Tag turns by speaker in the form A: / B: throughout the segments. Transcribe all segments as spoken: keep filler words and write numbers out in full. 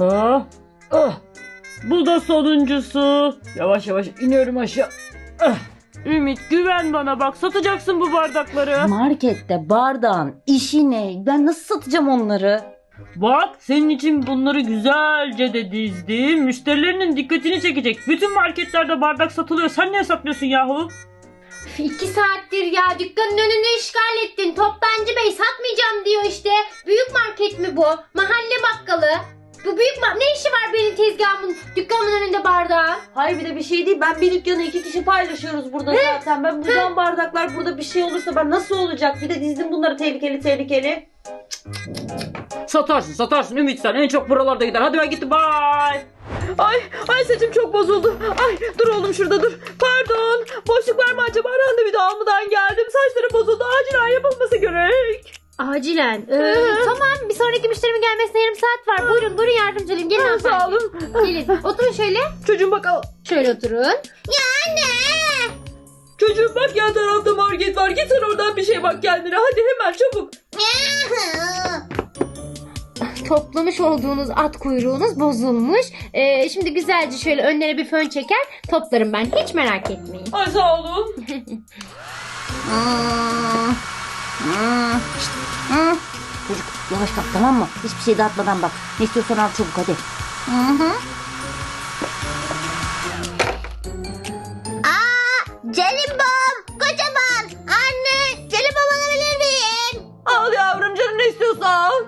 A: Ah, ah. Bu da sonuncusu. Yavaş yavaş iniyorum aşağı. Ah. Ümit güven bana, bak satacaksın bu bardakları.
B: Markette bardağın işi ne? Ben nasıl satacağım onları?
A: Bak senin için bunları güzelce de dizdim. Müşterilerinin dikkatini çekecek. Bütün marketlerde bardak satılıyor. Sen niye satmıyorsun yahu?
C: İki saattir ya dükkanın önünü işgal ettin. Toptancı bey satmayacağım diyor işte. Büyük market mi bu? Mahalle bakkalı. Bu büyük ma- ne işi var benim tezgahımın dükkanımın önünde bardağın?
B: Hayır bir de bir şey değil. Ben bir dükkanı iki kişi paylaşıyoruz burada zaten. Ben buradan bardaklar burada bir şey olursa ben nasıl olacak? Bir de dizdim bunları tehlikeli tehlikeli.
A: Satarsın satarsın Ümit, sen en çok buralarda gider. Hadi ben gittim, bye.
D: Ay, ay saçım çok bozuldu. Ay dur oğlum şurada dur. Pardon. Boşluk var mı acaba? Randevu da almadan geldim. Saçlarım bozuldu. Acilen yapılması gerek.
C: Acilen. Ee, tamam bir sonraki müşterimin gelmesine yarım saat var. Buyurun buyurun yardımcı olayım. Gelin
D: Ha, sağ
C: hanımefendi.
D: olun.
C: Gelin oturun şöyle.
D: Çocuğum bak al.
C: Şöyle oturun.
D: Çocuğum bak yan tarafta market var. Git sen oradan bir şey bak kendine. Hadi hemen çabuk.
C: Toplamış olduğunuz at kuyruğunuz bozulmuş. Ee, şimdi güzelce şöyle önlere bir fön çeker toplarım ben. Hiç merak etmeyin.
D: Ay sağ olun.
B: Çocuk yavaş kalk tamam mı? Hiçbir şey dağıtmadan bak. Ne istiyorsan al çabuk hadi. Hı hı.
E: Celimbom, kocaman. Anne, celimbom alabilir miyim?
D: Al yavrum canım ne istiyorsa al.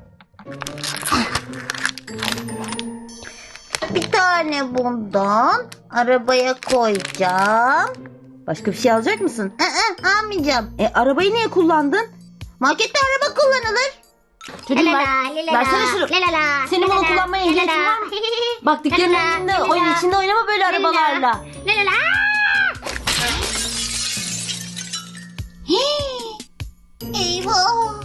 E: Bir tane bundan arabaya koyacağım.
B: Başka bir şey alacak mısın?
E: Aa, almayacağım.
B: E arabayı niye kullandın?
E: Markette araba kullanılır.
B: Çocuğum ver. Versene şunu. Senin bunu kullanmaya ehliyetin var mı? Bak dükkanın önünde oyun içinde oynama böyle arabalarla.
E: Eyvah.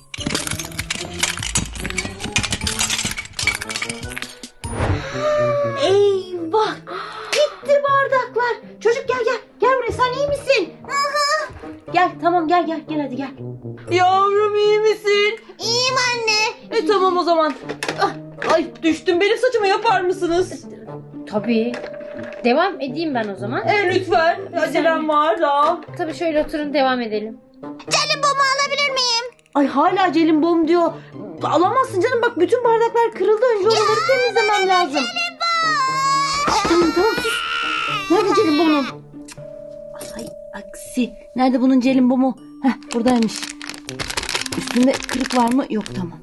B: Eyvah. Gitti bardaklar. Çocuk gel gel. Gel buraya, sen iyi misin? Gel tamam gel gel gel hadi gel.
D: Yavrum iyi misin?
E: İyiyim anne.
D: E tamam o zaman. Ah, ay düştüm, benim saçımı yapar mısınız?
C: Tabii. Devam edeyim ben o zaman.
D: E lütfen. Acelem var da.
C: Tabii şöyle oturun devam edelim.
E: Celimbomu alabilir miyim?
B: Ay hala Celimbom diyor. Alamazsın canım, bak bütün bardaklar kırıldı. Önce onları temizlemem lazım. Şşt, tamam tamam sus. Nerede Celimbom'un? Ay aksi. Nerede bunun Celimbomu? Heh buradaymış. Üstünde kırık var mı? Yok tamam.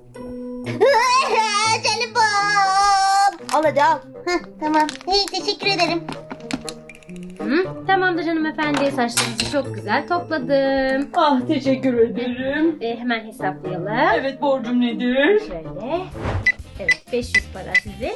E: Celimbom.
B: Al hadi al.
E: Heh, tamam. İyi teşekkür ederim.
C: Hı? Tamamdır hanımefendi. Saçlarınızı çok güzel topladım.
D: Ah teşekkür ederim.
C: Ee, hemen hesaplayalım.
D: Evet borcum nedir?
C: Şöyle. Evet beş yüz para sizin.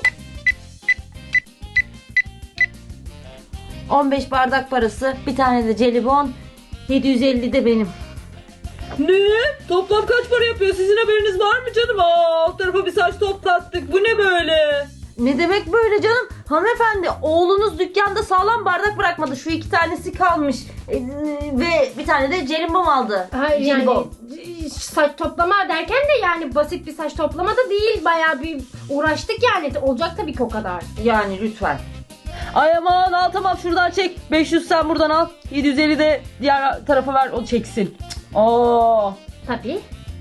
B: on beş bardak parası. Bir tane de jelibon. yedi yüz elli de benim.
D: Ne? Toplam kaç para yapıyor? Sizin haberiniz var mı canım? Aa, alt tarafa bir saç toplattık. Bu ne böyle?
B: Ne demek böyle canım? Hanımefendi oğlunuz dükkanda sağlam bardak bırakmadı. Şu iki tanesi kalmış. Ee, ve bir tane de Celimbom aldı.
C: Hayır yani
B: Jelibon.
C: saç toplama derken de yani basit bir saç toplama da değil. Bayağı bir uğraştık yani. Olacak tabii ki o kadar.
B: Yani lütfen.
D: Ay aman al tamam şuradan çek. beş yüz sen buradan al. yedi yüz elli de diğer tarafa ver, o çeksin. Aa.
C: Tabii.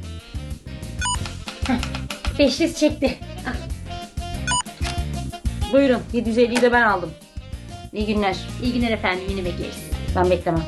C: Heh, beş yüz çekti.
B: Buyurun yedi yüz elliyi de ben aldım. İyi günler.
C: İyi günler efendim, yine bekleriz.
B: Ben beklemem.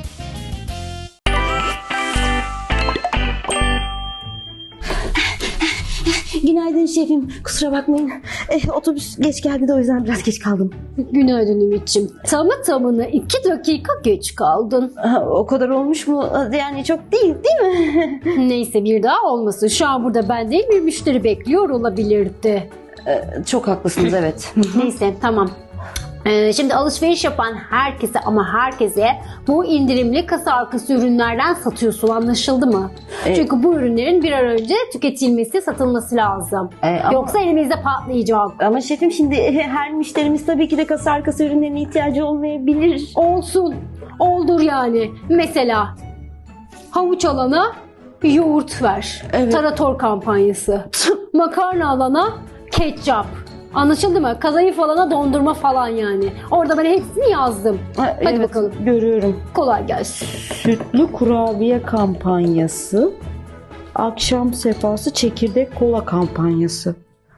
B: Günaydın şefim. Kusura bakmayın. Eh, otobüs geç geldi de o yüzden biraz geç kaldım.
F: Günaydın Ümit'ciğim. Tamı tamına iki dakika geç kaldın.
B: Ha, o kadar olmuş mu? Yani çok değil değil mi?
F: Neyse bir daha olmasın. Şu an burada ben değil bir müşteri bekliyor olabilirdi.
B: Ee, çok haklısınız evet.
F: Neyse tamam. Ee, şimdi alışveriş yapan herkese ama herkese bu indirimli kasa arkası ürünlerden satıyorsun, anlaşıldı mı?
B: Ee,
F: Çünkü bu ürünlerin bir an önce tüketilmesi, satılması lazım.
B: Ee, ama-
F: Yoksa elimizde patlayacak.
B: Ama şefim şimdi her müşterimiz tabii ki de kasa arkası ürünlerine ihtiyacı olmayabilir.
F: Olsun. Oldur yani. Mesela havuç alana yoğurt ver.
B: Evet.
F: Tarator kampanyası. Makarna alana ketçap. Anlaşıldı mı? Kadayıf alana dondurma falan yani. Orada ben hepsini yazdım.
B: Ha,
F: Hadi
B: evet,
F: bakalım.
B: görüyorum.
F: Kolay gelsin.
B: Sütlü kurabiye kampanyası, akşam sefası çekirdek kola kampanyası.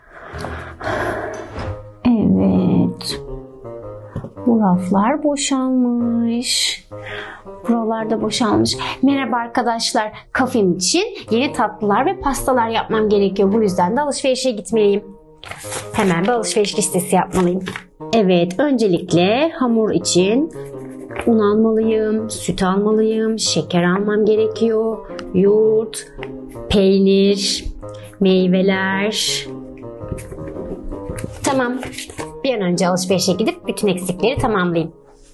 F: Evet. Bu raflar boşalmış. Buralar da boşalmış. Merhaba arkadaşlar. Kafem için yeni tatlılar ve pastalar yapmam gerekiyor. Bu yüzden de alışverişe gitmeliyim. Hemen bir alışveriş listesi yapmalıyım. Evet, öncelikle hamur için un almalıyım, süt almalıyım, şeker almam gerekiyor, yoğurt, peynir, meyveler. Tamam. Bir an önce alışverişe gidip bütün eksikleri tamamlayayım.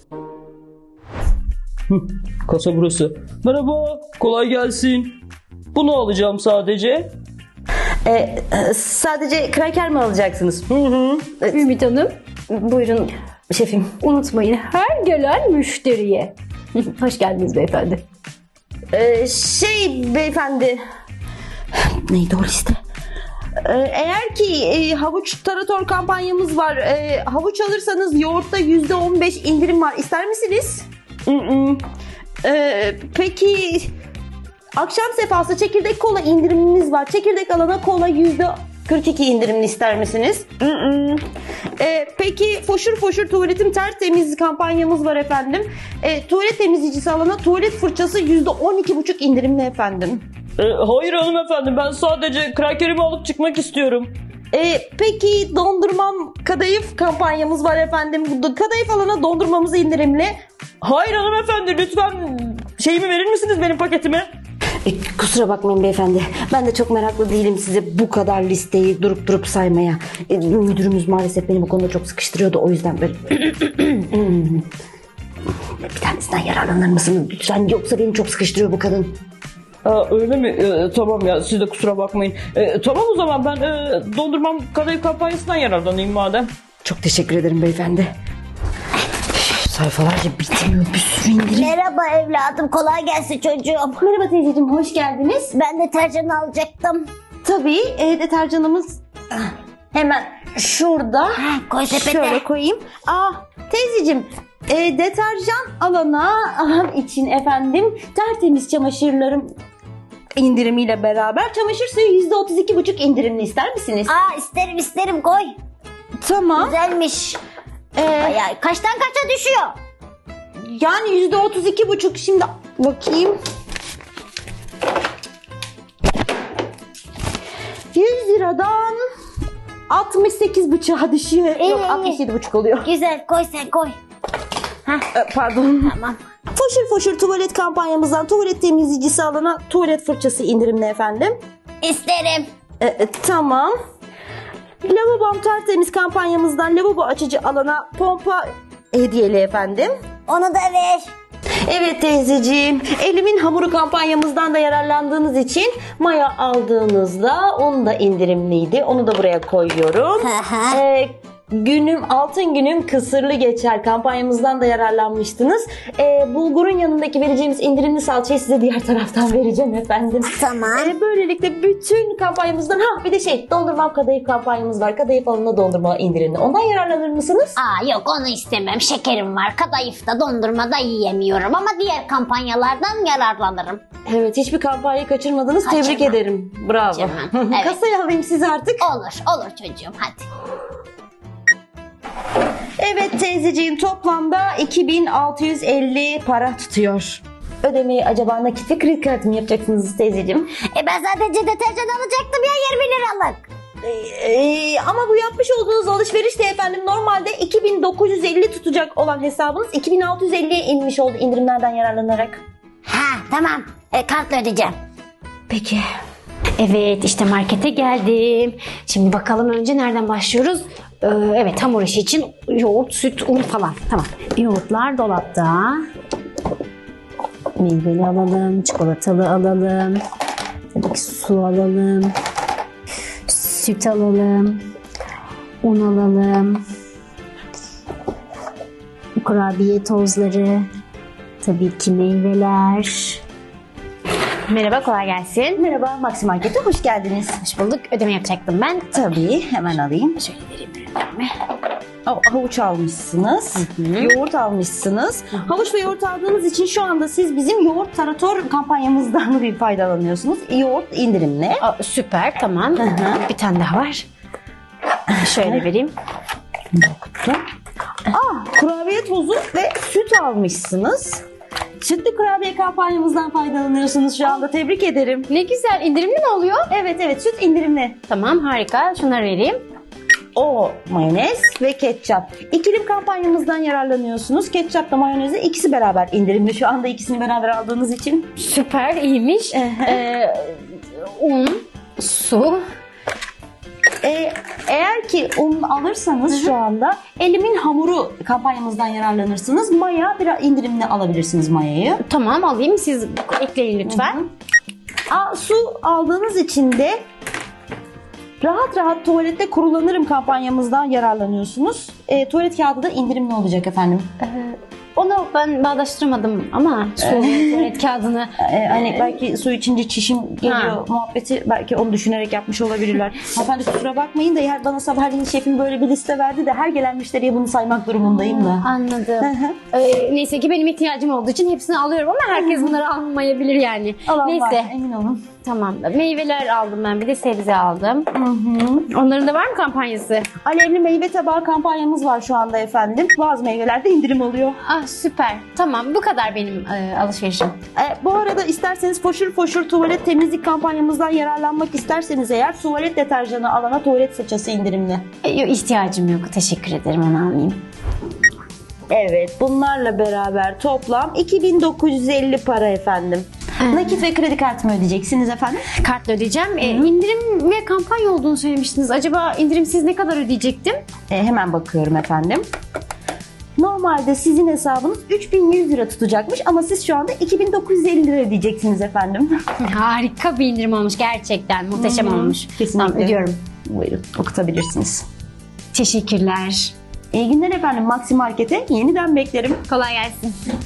A: Kasa burası. Merhaba, kolay gelsin. Bunu alacağım sadece.
B: Ee, e, sadece kraker mi alacaksınız?
A: Hı hı.
F: Ümit Hanım,
B: Buyurun şefim.
F: unutmayın her gelen müşteriye. Hoş geldiniz beyefendi.
B: Ee, şey beyefendi. Neydi o liste? Ee, eğer ki e, havuç tarator kampanyamız var. E, havuç alırsanız yoğurtta yüzde on beş indirim var. İster misiniz? Mm-mm. Ee, peki akşam sefası çekirdek kola indirimimiz var. Çekirdek alana kola yüzde kırk iki indirimli ister misiniz? Mm-mm. Ee, peki foşur foşur tuvaletim tertemiz kampanyamız var efendim. Ee, tuvalet temizleyicisi alana tuvalet fırçası yüzde on iki buçuk indirimli efendim.
A: Ee, hayır hanımefendi, ben sadece krakerimi alıp çıkmak istiyorum.
B: Ee, peki dondurmam kadayıf kampanyamız var efendim. Bu kadayıf alana dondurmamız indirimli.
A: Hayır hanımefendi, lütfen şeyimi verir misiniz, benim paketimi?
B: E, kusura bakmayın beyefendi. Ben de çok meraklı değilim size bu kadar listeyi durup durup saymaya. E, müdürümüz maalesef beni bu konuda çok sıkıştırıyordu. O yüzden böyle... Bir tanesinden yararlanır mısınız lütfen? Yoksa beni çok sıkıştırıyor bu kadın.
A: Aa, öyle mi? Ee, tamam ya, siz de kusura bakmayın. Ee, tamam o zaman ben e, dondurmam kadayıf kampanyasından yararlanayım madem.
B: Çok teşekkür ederim beyefendi. Sayfalarca bitmiyor, bir sürü indirim.
E: Merhaba evladım, kolay gelsin çocuğum.
B: Merhaba teyzeciğim, hoş geldiniz.
E: Ben deterjan alacaktım.
B: Tabii e, deterjanımız hemen şurada.
E: Ha, koy sepete.
B: Şöyle koyayım. Aa teyzeciğim, e, deterjan alana alan için efendim tertemiz çamaşırlarım indirimiyle beraber çamaşır suyu yüzde otuz iki buçuk indirimli ister misiniz?
E: Aa, isterim isterim, koy.
B: Tamam.
E: Güzelmiş.
B: E,
E: Ay, kaçtan kaça düşüyor?
B: yani yüzde otuz iki buçuk, şimdi bakayım. yüz liradan altmış sekiz buçuğa düşüyor.
E: İyi,
B: Yok,
E: iyi.
B: altmış yedi buçuk oluyor.
E: Güzel, koy sen koy.
B: E, Pardon.
E: Tamam.
B: Foşur foşur tuvalet kampanyamızdan tuvalet temizleyicisi alana tuvalet fırçası indirimli efendim.
E: İsterim.
B: E, e, tamam. Lavabom tertemiz kampanyamızdan lavabo açıcı alana pompa hediyeli efendim.
E: Onu da ver.
B: Evet teyzeciğim, elimin hamuru kampanyamızdan da yararlandığınız için maya aldığınızda onu da indirimliydi. Onu da buraya koyuyorum.
E: Hı hı.
B: Ee, günüm altın günüm kısırlı geçer kampanyamızdan da yararlanmıştınız. Ee, bulgurun yanındaki vereceğimiz indirimli salçayı size diğer taraftan vereceğim efendim.
E: Tamam.
B: Ee, böylelikle bütün kampanyamızdan, ha bir de şey, dondurmam kadayıf kampanyamız var. Kadayıf alımına dondurma indirimli. Ondan yararlanır mısınız?
E: Aa, yok onu istemem. Şekerim var. Kadayıfta dondurmada yiyemiyorum ama diğer kampanyalardan yararlanırım.
B: Evet, hiçbir kampanyayı kaçırmadınız.
E: Kaçırmam.
B: Tebrik ederim. Bravo.
E: Kaçırmam, evet.
B: Kasayı alayım size artık.
E: Olur, olur çocuğum, hadi.
B: Evet teyzeciğim, toplamda iki bin altı yüz elli para tutuyor. Ödemeyi acaba nakit ve kredi kartı mı yapacaksınız teyzeciğim?
E: E ben sadece deterjan alacaktım ya, yirmi liralık.
B: Ee, e, ama bu yapmış olduğunuz alışveriş de efendim normalde iki bin dokuz yüz elli tutacak olan hesabınız iki bin altı yüz elliye inmiş oldu indirimlerden yararlanarak.
E: Ha tamam, e, kartla ödeyeceğim.
B: Peki.
F: Evet, işte markete geldim. Şimdi bakalım önce nereden başlıyoruz? Ee, evet, hamur işi için yoğurt, süt, un falan. Tamam. Yoğurtlar dolapta. Meyveli alalım, çikolatalı alalım. Tabii ki su alalım. Süt alalım. Un alalım. Kurabiye tozları. Tabii ki meyveler. Merhaba, kolay gelsin.
B: Merhaba, Maxi Market'e hoş geldiniz.
F: Hoş bulduk. Ödeme yapacaktım ben.
B: Tabii, hemen alayım.
F: Şöyle vereyim ürünlerimi.
B: Ha- Havuç almışsınız, yoğurt almışsınız. Havuç ve yoğurt aldığınız için şu anda siz bizim yoğurt tarator kampanyamızdan bir faydalanıyorsunuz. Yoğurt indirimli.
F: Aa, süper, tamam. Bir tane daha var. Şöyle vereyim.
B: Ah, kurabiye tozu ve süt almışsınız. Sütlü kurabiye kampanyamızdan faydalanıyorsunuz şu anda. Tebrik ederim.
F: Ne güzel, indirimli mi oluyor?
B: Evet evet, süt indirimli.
F: Tamam, harika. Şunları vereyim.
B: O mayonez ve ketçap. İkilim kampanyamızdan yararlanıyorsunuz. Ketçapla mayonezi ikisi beraber indirimli. Şu anda ikisini beraber aldığınız için.
F: Süper, iyiymiş. ee, un, su.
B: Ee, eğer ki un alırsanız şu anda elimin hamuru kampanyamızdan yararlanırsınız. Maya biraz indirimli alabilirsiniz mayayı.
F: Tamam, alayım. Siz ekleyin lütfen.
B: Aa, su aldığınız için de rahat rahat tuvalette kurulanırım kampanyamızdan yararlanıyorsunuz. Ee, tuvalet kağıdı da indirimli olacak efendim.
F: Onu ben bağdaştırmadım ama su tuvalet kağıdını.
B: Ee, hani belki su içince çişim geliyor
F: Ha.
B: muhabbeti, belki onu düşünerek yapmış olabilirler. Hanımefendi kusura bakmayın da eğer bana sabahleyin şefim böyle bir liste verdi de her gelen müşteriye bunu saymak durumundayım da.
F: Anladım.
B: Hı hı.
F: Ee, neyse ki benim ihtiyacım olduğu için hepsini alıyorum ama herkes bunları almayabilir yani.
B: Alan
F: Neyse.
B: var, emin olun.
F: Tamam. Meyveler aldım ben. Bir de sebze aldım. Onların da var mı kampanyası?
B: Alevli meyve tabağı kampanyamız var şu anda efendim. Bazı meyvelerde indirim oluyor.
F: Ah, süper. Tamam, bu kadar benim e, alışverişim.
B: E, bu arada isterseniz foşur foşur tuvalet temizlik kampanyamızdan yararlanmak isterseniz eğer tuvalet deterjanı alana tuvalet fırçası indirimli.
F: E, yok, ihtiyacım yok. Teşekkür ederim. Onu almayayım.
B: Evet, bunlarla beraber toplam iki bin dokuz yüz elli para efendim. Nakit ve kredi kartımı ödeyeceksiniz efendim.
F: Kartla ödeyeceğim. E, indirim ve kampanya olduğunu söylemiştiniz. Acaba indirimsiz ne kadar ödeyecektim?
B: E, hemen bakıyorum efendim. Normalde sizin hesabınız üç bin yüz lira tutacakmış ama siz şu anda iki bin dokuz yüz elli lira ödeyeceksiniz efendim.
F: Harika bir indirim olmuş. Gerçekten muhteşem olmuş.
B: Kesinlikle.
F: Tamam, ödüyorum.
B: Buyurun, okutabilirsiniz.
F: Teşekkürler.
B: İyi günler efendim. Maxi Market'e yeniden beklerim.
F: Kolay gelsin.